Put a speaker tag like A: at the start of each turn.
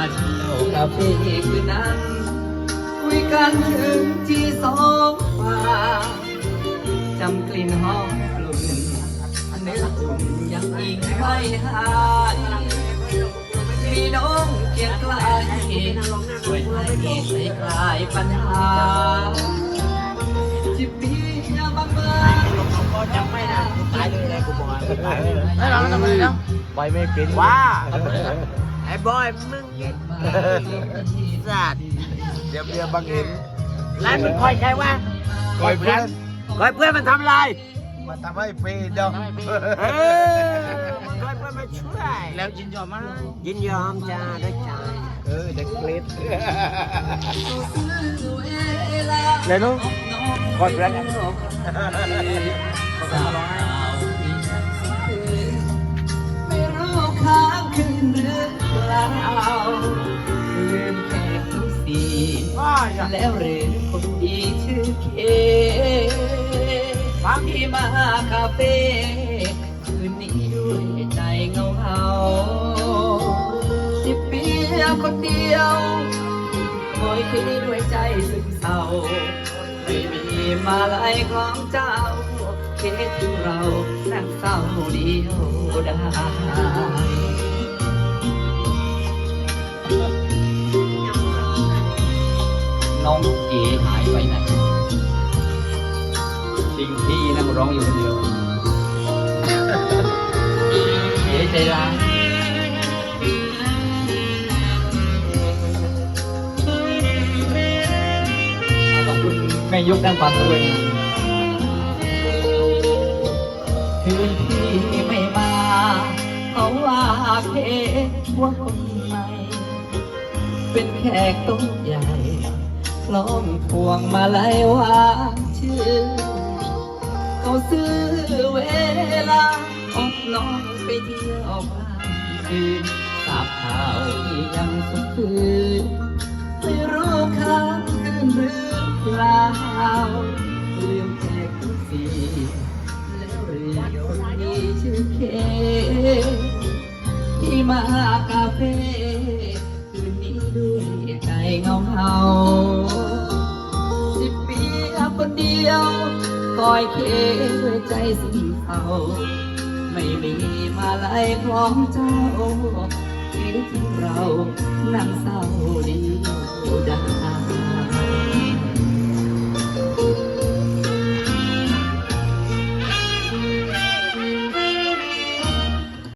A: เที่ยวคาเฟ่คืนนั้นคุยกันถึงที่สองฝ่ายจำกลิ่นหอมกลุ่นเนื้ออุ่นยังอิงไม่หายมีน้องเคียงไกลช่วยให้ใส่คลายปัญหาจิบเบียร์บางๆ
B: จำไม่ได้ตายเลยกูบอก
C: แล้วเราทำไมเนาะ
B: ไปไม่เป็นว่าไอ้บอยมึงสัตว์เดี๋ยวเบียร์บังเห็นร้านมึงคอยใครวะ
D: คอยเพื่อน
B: คอยเพื่อนมันทำไร
D: มาทำให้ฟรีเด้อ
B: คอยเพื่อนมาช่วย
C: แล้วยินยอมมาก
B: ยินยอมจ้าด้วยใจ
D: เด็กเล็ก
C: เลยนู้คอยเพื่อนกัน
A: ไม่รู้ค้างคืนหรือเปล่าลืมแขกทุกสีแล้วหรือคนดีชื่อเคบางที่มาคาเฟ่คืนนี้ด้วยใจเงาเฮาสิบปีคนเดียวคอยคิดด้วยใจซึมเศร้าไม่มีมาลายของเจ้าเคิดถึงเรานั่งเศร้าเดียวได้น้องเก๋หายไปไหนทิ้งพี่นั่งร้องอยู่คนเดียวเก๋ใจร้ายขอบคุณแม่ยกด้านความด้วยคืนที่ไม่มาเขาว่าเพว่าคนใหม่เป็นแขกโต๊ะใหญ่ล้อมพวงมาลัยวางชื่อเขาซื้อเวลาออกน้องไปเที่ยวบ้านคืนทราบข่าวที่ยังสุขคืนไม่รู้ค้างคืนหรือเปล่าลืมแขกทุกสีแล้วเรียกคนนี้ชื่อเคที่มาคาเฟ่คืนนี้ด้วยใจเงาเฮา10 ปีคนเดียวคอยเคด้วยใจสิ้นเศร้าไม่มีมาลัยพร้อมเจ้าคิดถึงเรานั่งเศร้าเดียวได้